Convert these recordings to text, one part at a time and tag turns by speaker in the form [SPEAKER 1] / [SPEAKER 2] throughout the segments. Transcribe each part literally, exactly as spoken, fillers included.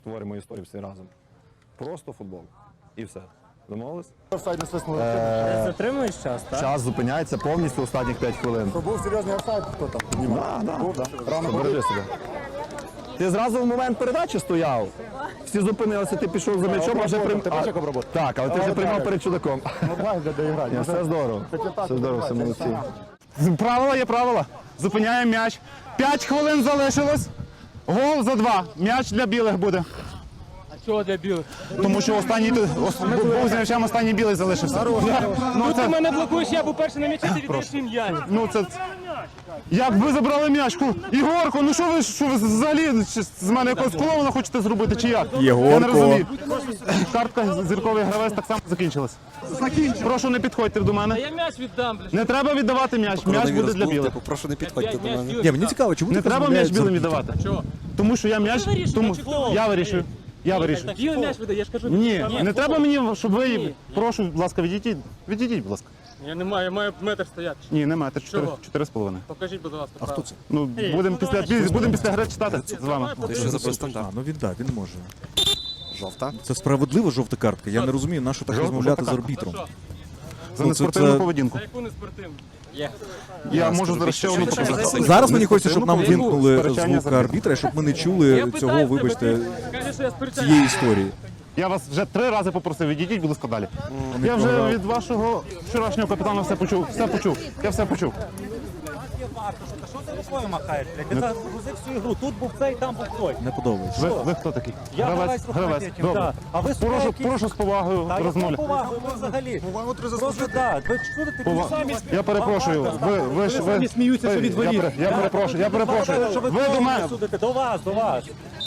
[SPEAKER 1] Творимо історію всі разом. Просто футбол. І все. Домовились?
[SPEAKER 2] Офсайд не свиснули.
[SPEAKER 1] Е,
[SPEAKER 3] Затримуєш час, так?
[SPEAKER 1] Час зупиняється повністю останніх п'ять хвилин.
[SPEAKER 2] То був серйозний офсайд, хто там піднімав.
[SPEAKER 1] Да, да, да.
[SPEAKER 2] Рано
[SPEAKER 1] Бережи себе. Ти зразу в момент передачі стояв. Всі зупинилися, ти пішов за м'ячом, а вже приймав.
[SPEAKER 2] Ти бачиш, як обробот?
[SPEAKER 1] Так, але ти вже
[SPEAKER 2] Але
[SPEAKER 1] приймав
[SPEAKER 2] так.
[SPEAKER 1] перед чудаком.
[SPEAKER 2] Нормально для доіграння.
[SPEAKER 1] Ні, все здорово. Все здорово, все молодці.
[SPEAKER 4] Правила є правила. Зупиняємо м'яч. П'ять хвилин залишилось. Гол за два. М'яч для білих буде.
[SPEAKER 3] А чого для білих?
[SPEAKER 4] Тому що останній ос- був з м'ячем, останній білий залишився. Ну
[SPEAKER 3] Ти
[SPEAKER 4] це,
[SPEAKER 3] мене блокуєш, я був перший на м'ячі, ти віддаєш їм м'яч.
[SPEAKER 4] ну це. Як ви забрали м'ячку? Ігорко, ну що ви, що ви взагалі чи з мене якогось клоуна хочете зробити, чи як?
[SPEAKER 1] Єгорко.
[SPEAKER 4] Я не розумію. Картка зірковий гравець так само закінчилась. Прошу, не підходьте до
[SPEAKER 3] А
[SPEAKER 4] мене.
[SPEAKER 3] я м'яч віддам, блядь.
[SPEAKER 4] Не треба віддавати м'яч. М'яч буде для білих.
[SPEAKER 5] Прошу не підходьте
[SPEAKER 3] П'ять
[SPEAKER 5] до
[SPEAKER 3] м'яч
[SPEAKER 5] мене.
[SPEAKER 3] білих
[SPEAKER 5] Ні, мені
[SPEAKER 3] віддам.
[SPEAKER 5] цікаво, чому
[SPEAKER 4] Не
[SPEAKER 5] ти
[SPEAKER 4] треба м'яч білим
[SPEAKER 5] віддавати?
[SPEAKER 4] віддавати.
[SPEAKER 3] Чого?
[SPEAKER 4] Тому що я м'яч.
[SPEAKER 3] Ти вирішуй,
[SPEAKER 4] Тому
[SPEAKER 3] чи хто?
[SPEAKER 4] я вирішую. Я вирішую.
[SPEAKER 3] Білий м'яч видає, я ж кажу.
[SPEAKER 4] Ні, не треба мені, щоб ви.
[SPEAKER 3] Ні.
[SPEAKER 4] Прошу, будь ласка, відійдіть. Відійдіть, будь ласка.
[SPEAKER 3] Я не маю, я маю метр стояти.
[SPEAKER 4] Ні, не маєте. Чотири,
[SPEAKER 3] Чого?
[SPEAKER 4] чотири з половиною.
[SPEAKER 3] Покажіть, будь ласка.
[SPEAKER 5] А хто це?
[SPEAKER 4] Ну, будемо після, будемо після гри читати з вами.
[SPEAKER 5] Ти що за стандарт?
[SPEAKER 6] Ну він так, він може.
[SPEAKER 5] Жовта?
[SPEAKER 6] Це справедлива жовта картка. Я не розумію, на що так
[SPEAKER 4] Жовта
[SPEAKER 6] розмовляти з
[SPEAKER 4] картка.
[SPEAKER 6] арбітром.
[SPEAKER 3] Що?
[SPEAKER 4] За
[SPEAKER 6] Ну,
[SPEAKER 4] неспортивну
[SPEAKER 6] це-
[SPEAKER 4] поведінку.
[SPEAKER 3] За яку не спортивну? Є.
[SPEAKER 4] Я можу зараз ще одну показати.
[SPEAKER 6] Зараз мені хочеться, щоб нам
[SPEAKER 4] Поведінку,
[SPEAKER 6] вимкнули
[SPEAKER 4] сперечання
[SPEAKER 6] звук
[SPEAKER 4] з
[SPEAKER 6] арбітра, щоб ми не
[SPEAKER 3] Я
[SPEAKER 6] чули
[SPEAKER 3] питаю
[SPEAKER 6] цього,
[SPEAKER 3] тебе,
[SPEAKER 6] вибачте,
[SPEAKER 3] ти Скажи, що я сперечаюся.
[SPEAKER 6] цієї історії.
[SPEAKER 4] Я вас вже три рази попросив, відійдіть, будь ласка, далі. Я вже від вашого вчорашнього капітана все почув. Все почув. Я все почув.
[SPEAKER 7] Що ти рукою махаєш? блядь? Ти загрузив всю ігру. Тут був цей, там був той.
[SPEAKER 6] Не подобається.
[SPEAKER 4] Ви, ви хто такий?
[SPEAKER 7] Я
[SPEAKER 4] Гравець,
[SPEAKER 7] гравець
[SPEAKER 4] гравець.
[SPEAKER 7] рухоматів,
[SPEAKER 4] Добре.
[SPEAKER 7] да. А ви
[SPEAKER 4] Прошу,
[SPEAKER 7] які-
[SPEAKER 4] прошу з повагою
[SPEAKER 7] Та яку
[SPEAKER 4] розмовляти.
[SPEAKER 7] повагу ви взагалі? Просто так. Ви чули, ти
[SPEAKER 4] Пова-
[SPEAKER 7] самі
[SPEAKER 4] Я перепрошую, ви, ви, ж- ви,
[SPEAKER 7] сміються, що від
[SPEAKER 4] я,
[SPEAKER 7] воріт.
[SPEAKER 4] пере- я перепрошую, я перепрошую.
[SPEAKER 7] Що ви
[SPEAKER 4] Ви до
[SPEAKER 7] кого
[SPEAKER 4] мене,
[SPEAKER 7] судите? До вас, до вас.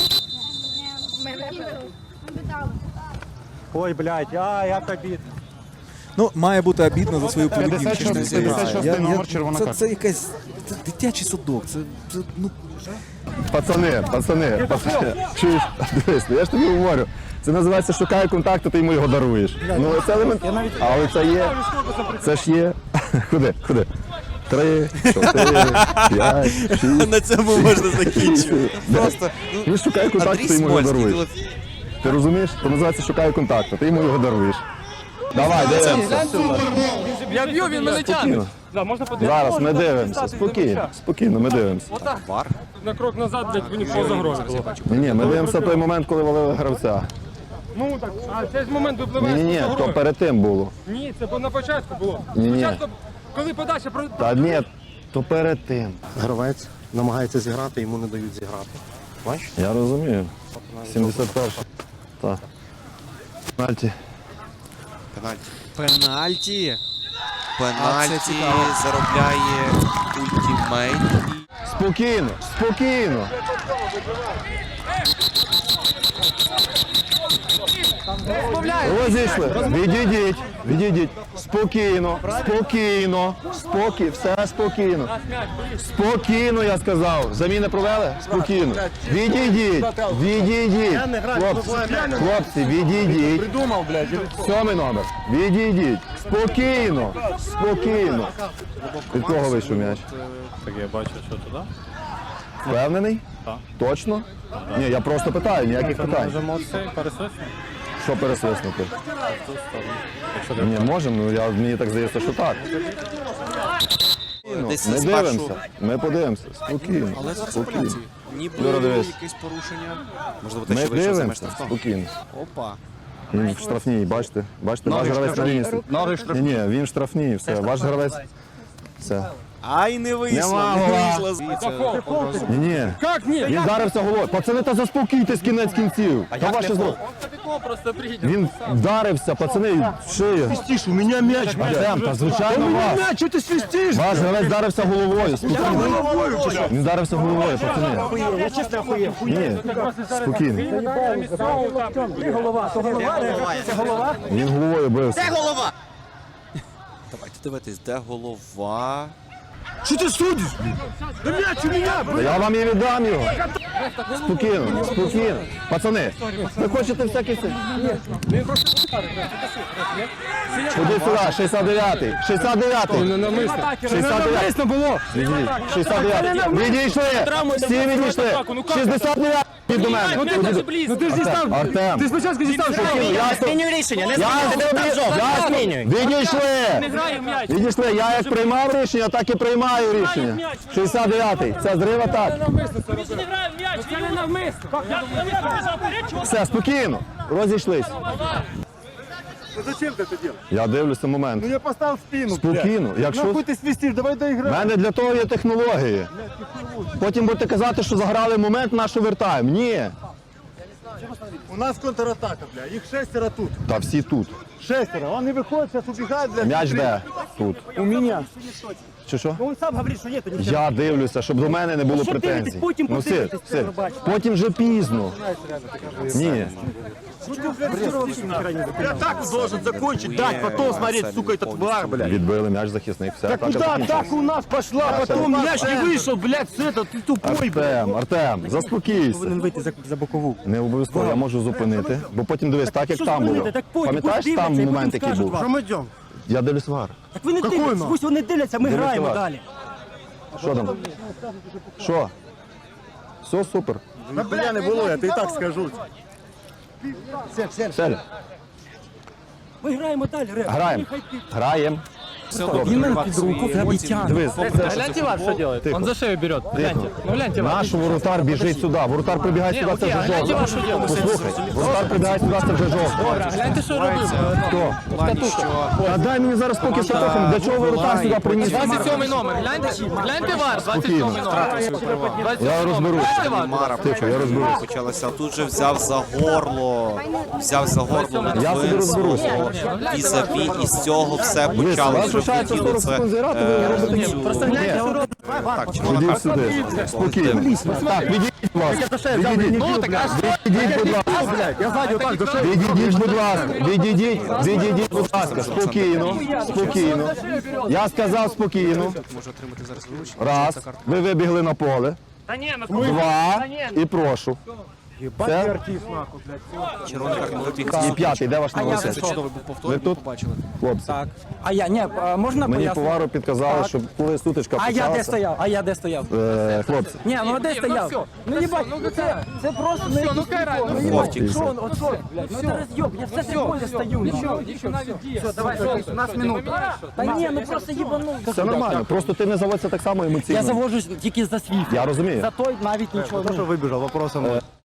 [SPEAKER 7] Ой, блядь, а, як обідно.
[SPEAKER 6] Ну, має бути обідно за свою
[SPEAKER 4] п'ятдесят
[SPEAKER 6] поведінку.
[SPEAKER 4] шостий
[SPEAKER 6] що не
[SPEAKER 4] п'ятдесят шостий
[SPEAKER 6] Я- я-
[SPEAKER 4] номер, червона
[SPEAKER 6] це,
[SPEAKER 4] картка.
[SPEAKER 6] це якась це дитячий садок. Це, це ну
[SPEAKER 1] Пацани, пацани, пацани. Чуєш? Дивись, я ж тобі говорю. Це називається шукає контакту, ти йому його даруєш. Ну це елемент. Але це є. Це ж є. Ходи, ходи. Три, чотири, п'ять, шість.
[SPEAKER 5] На цьому можна закінчити.
[SPEAKER 1] Просто. Він шукає контакту,
[SPEAKER 5] Андрій
[SPEAKER 1] ти йому його
[SPEAKER 5] Смольський.
[SPEAKER 1] даруєш. Ти розумієш? Це називається шукає контакту, ти йому його даруєш. Давай, дивимося.
[SPEAKER 3] Я б'ю, він мене тягне.
[SPEAKER 1] Спокійно.
[SPEAKER 3] Да, можна подивитися?
[SPEAKER 1] Зараз ми дивимося. Спокійно, спокійно, ми дивимося.
[SPEAKER 5] Вар?
[SPEAKER 3] На крок назад, блядь, мені по загрозі було.
[SPEAKER 1] Ні, ні, ми дивимося той момент, коли валили гравця.
[SPEAKER 3] Ну так, а цей ж момент
[SPEAKER 1] Ні,
[SPEAKER 3] випливає
[SPEAKER 1] ні, ні,
[SPEAKER 3] з
[SPEAKER 1] то
[SPEAKER 3] загрози.
[SPEAKER 1] перед тим було.
[SPEAKER 3] Ні, це було на початку було.
[SPEAKER 1] Ні-ні.
[SPEAKER 3] Спочатку, коли подача про...
[SPEAKER 1] Та ні, то перед тим.
[SPEAKER 5] Гравець намагається зіграти, йому не дають зіграти. Бачиш?
[SPEAKER 1] Я розумію. сімдесят перший. Так. Пенальті.
[SPEAKER 5] Пенальті. Пенальті. Пенальті заробляє ультимейт.
[SPEAKER 1] Спокійно, спокійно. Розійшли. Відійдіть, відійдіть. Спокійно, спокійно, спокій, все спокійно. Спокійно, я сказав. Заміни провели? Спокійно. Відійдіть, відійдіть. Хлопці, хлопці, відійдіть.
[SPEAKER 2] Придумав, блядь.
[SPEAKER 1] Сьомий номер. Відійдіть. Спокійно, спокійно. Від кого вийшов м'яч?
[SPEAKER 8] Так я бачу, що туди.
[SPEAKER 1] Впевнений?
[SPEAKER 8] Так.
[SPEAKER 1] Точно? Ні, я просто питаю, ніяких питань.
[SPEAKER 8] Можемо цей пересвиснути
[SPEAKER 1] Що пересвиснути?
[SPEAKER 8] в сторону. Якщо
[SPEAKER 1] Ні, можемо, ну я, мені так здається, що так. Ну,
[SPEAKER 5] Десь
[SPEAKER 1] Ми
[SPEAKER 5] спершу.
[SPEAKER 1] дивимося, ми подивимося. Спокійно,
[SPEAKER 5] Але зараз
[SPEAKER 1] спокійно.
[SPEAKER 5] пенальті. Ніби
[SPEAKER 1] Юра, дивись.
[SPEAKER 5] якесь порушення. Можливо, те,
[SPEAKER 1] Ми
[SPEAKER 5] що вийшов за меж
[SPEAKER 1] дивимося,
[SPEAKER 5] штрафного.
[SPEAKER 1] спокійно.
[SPEAKER 5] Опа.
[SPEAKER 1] Він в штрафній, бачите? Бачите, ваш гравець на лінії. Ні, ні, він в штрафній, все, ваш гравець. Все.
[SPEAKER 5] Ай, не вийшло,
[SPEAKER 1] Нема
[SPEAKER 5] не
[SPEAKER 1] гола.
[SPEAKER 5] вийшло звідси.
[SPEAKER 1] Ні, ні.
[SPEAKER 3] Як ні?
[SPEAKER 1] Він вдарився головою. Пацани, та заспокійтесь кінець кінців. Та ваше зло.
[SPEAKER 3] Тако просто приїдь.
[SPEAKER 1] Він вдарився, пацани, в шию.
[SPEAKER 2] Свистиш, у мене м'яч, блядь.
[SPEAKER 1] Артем, та звичайно вас.
[SPEAKER 2] М'яч, що ти свистиш?
[SPEAKER 1] Ваш гравець вдарився головою. Спокійно.
[SPEAKER 2] Головою чи що?
[SPEAKER 1] Він вдарився головою, пацани.
[SPEAKER 7] Я чесно охуєв.
[SPEAKER 1] Ні, спокійно.
[SPEAKER 7] Ти голова, то голова? Це голова?
[SPEAKER 1] Він головою бився.
[SPEAKER 5] Давайте дивитись, де голова.
[SPEAKER 2] Що ти судиш? Да м'яч у мене, блядь.
[SPEAKER 1] Я вам і віддам його. Спокійно, спокійно. Пацани, ви хочете всякі це? Ходи сюди, шістдесят дев'ятий. шістдесят дев'ятий. шістдесят дев'ятий.
[SPEAKER 3] було.
[SPEAKER 1] шістдесят дев'ятий. Відійшли. Всі відійшли. шістдесят дев'ятий. Ти до мене.
[SPEAKER 3] Ну, ти
[SPEAKER 1] Ходи
[SPEAKER 3] дуже
[SPEAKER 1] до-
[SPEAKER 3] близько.
[SPEAKER 1] Ну, ти ж дістав. Артем.
[SPEAKER 3] Ти спочатку дістав, що
[SPEAKER 1] Я
[SPEAKER 9] Змінюй рішення, не
[SPEAKER 1] Я
[SPEAKER 9] змінюй, не
[SPEAKER 1] змінюю.
[SPEAKER 9] жовтий,
[SPEAKER 1] Я
[SPEAKER 9] не
[SPEAKER 1] змінюю.
[SPEAKER 9] змінюй.
[SPEAKER 1] Відійшли.
[SPEAKER 3] грає м'яч.
[SPEAKER 1] Відійшли. Я як приймав рішення, так і приймаю рішення. шістдесят дев'ятий. Це зрив атак.
[SPEAKER 3] Він не грає в м'яч. Це не навмисно.
[SPEAKER 1] Все, спокійно. Розійшлись.
[SPEAKER 2] Ну зачем ты это делаешь?
[SPEAKER 1] Я дивлюся момент.
[SPEAKER 2] Ну я поставил спину,
[SPEAKER 1] Спокійно. Якщо
[SPEAKER 2] Нахуй ты свистишь, давай
[SPEAKER 1] в
[SPEAKER 2] доиграем.
[SPEAKER 1] мене для того є технології. Потім будете казати, що заграли момент, на що вертаємо. Ні.
[SPEAKER 2] У нас контратака, бля. Их шестеро тут.
[SPEAKER 1] Та всі тут.
[SPEAKER 2] Шестеро. Он не выходит, сейчас убегает, бля.
[SPEAKER 1] М'яч де? Тут.
[SPEAKER 2] У меня.
[SPEAKER 1] Чи що?
[SPEAKER 7] Он сам говорить, що ні, то ні.
[SPEAKER 1] Я дивлюся, щоб до мене не було
[SPEAKER 7] що
[SPEAKER 1] претензій.
[SPEAKER 7] дивитесь? Потім
[SPEAKER 1] Ну, Сир,
[SPEAKER 7] подивитесь, це
[SPEAKER 1] Сир,
[SPEAKER 7] побачите.
[SPEAKER 1] потім вже пізно. Ні.
[SPEAKER 2] Я так должен закончить, дать, потом смотреть, сука, этот вар, бля.
[SPEAKER 1] Відбили м'яч захисник. Все,
[SPEAKER 2] Так
[SPEAKER 1] атака
[SPEAKER 2] куда
[SPEAKER 1] закінчилась.
[SPEAKER 2] атака у нас пошла, потом мяч не вышел, блядь, с этого, ты тупой, блядь.
[SPEAKER 1] Артем, Артем, заспокійся.
[SPEAKER 7] Вийти за, за бокову.
[SPEAKER 1] Не обов'язково, я можу зупинити, бо потім дивись, так як
[SPEAKER 7] що
[SPEAKER 1] там було.
[SPEAKER 7] зупинити? Так потім,
[SPEAKER 1] Пам'ятаєш
[SPEAKER 7] пусть
[SPEAKER 1] там
[SPEAKER 7] дивляться, і
[SPEAKER 1] момент,
[SPEAKER 7] потім
[SPEAKER 1] який
[SPEAKER 7] скажуть
[SPEAKER 1] був?
[SPEAKER 7] вам.
[SPEAKER 2] Мы идем.
[SPEAKER 1] Я дивлюсь вар.
[SPEAKER 7] Так ви не дивитесь, пусть вони дивляться, ми
[SPEAKER 1] Дивіться
[SPEAKER 7] граємо
[SPEAKER 1] вас.
[SPEAKER 7] далі.
[SPEAKER 1] Що там? Що? Все супер.
[SPEAKER 2] Ну, бля, не было, я ты и так скажу.
[SPEAKER 1] Сель,
[SPEAKER 7] Ми граємо далі, Рем.
[SPEAKER 1] граємо. Граємо.
[SPEAKER 7] Він мене під руку прям і тягне.
[SPEAKER 1] Дивись,
[SPEAKER 3] Гляньте вар, что делает.
[SPEAKER 1] Тихо.
[SPEAKER 3] Он за шею берет. Гляньте. Ну гляньте вар.
[SPEAKER 1] Наш воротар біжить сюди. Воротар прибігає сюди, це вже
[SPEAKER 3] гляньте,
[SPEAKER 1] жовто.
[SPEAKER 3] що робить.
[SPEAKER 1] Послухай, воротар прибігає сюди, це вже жовто.
[SPEAKER 3] Гляньте, що робив.
[SPEAKER 1] Хто? А дай мені зараз поки Штатухом. Для чого воротар сюди приніс?
[SPEAKER 3] двадцять сьомий номер. Гляньте, гляньте вар. двадцять сьомий номер.
[SPEAKER 1] Я розберусь.
[SPEAKER 8] Мара
[SPEAKER 1] Тихо, я розберусь.
[SPEAKER 8] почалася. Тут же взяв за горло. Взяв за горло.
[SPEAKER 1] Я собі розберусь.
[SPEAKER 8] Візаві, і з цього все
[SPEAKER 1] Дивись, у
[SPEAKER 8] почалося.
[SPEAKER 1] вас лишається сорок секунд зіграти, ви робите ні.
[SPEAKER 8] Так, червона
[SPEAKER 1] Ідіть
[SPEAKER 8] картка.
[SPEAKER 1] сюди. Спокійно. Так, відійдіть, будь ласка. Відійдіть. Відійдіть, будь ласка.
[SPEAKER 2] Я сзади вот так, за шею.
[SPEAKER 1] Відійдіть, будь ласка. Відійдіть, відійдіть, будь ласка. Спокійно, спокійно. Я сказав спокійно.
[SPEAKER 8] Може отримати зараз вилучення.
[SPEAKER 1] Раз. Ви вибігли на поле. Два. І прошу. Це
[SPEAKER 8] Червона картка вибіг.
[SPEAKER 1] і п'ятий. Де ваш номер? Ви тут? Хлопці.
[SPEAKER 7] А я, ні, а можна
[SPEAKER 1] Мені
[SPEAKER 7] пояснити?
[SPEAKER 1] повару підказали, що коли сутичка
[SPEAKER 7] А я де
[SPEAKER 1] почалася.
[SPEAKER 7] стояв? А я де стояв?
[SPEAKER 1] е, Хлопці.
[SPEAKER 7] Ні, ну а де стояв? Ну не бачу, ну це, це просто не
[SPEAKER 3] Ну кайрай.
[SPEAKER 8] Вовтік.
[SPEAKER 7] Що он, от що, блядь, ну це роз'єб, я все три поля стою.
[SPEAKER 3] Нічого, нічого навіть діє. Все, давай, у нас минута.
[SPEAKER 7] Та ні, ну просто їбанув.
[SPEAKER 1] Все нормально. Просто ти не заводься так само емоційно.
[SPEAKER 7] Я заводжусь тільки за свій.
[SPEAKER 1] Я розумію.
[SPEAKER 7] За той навіть нічого.
[SPEAKER 2] Кто
[SPEAKER 7] ну.
[SPEAKER 2] что выбежал, вопросом.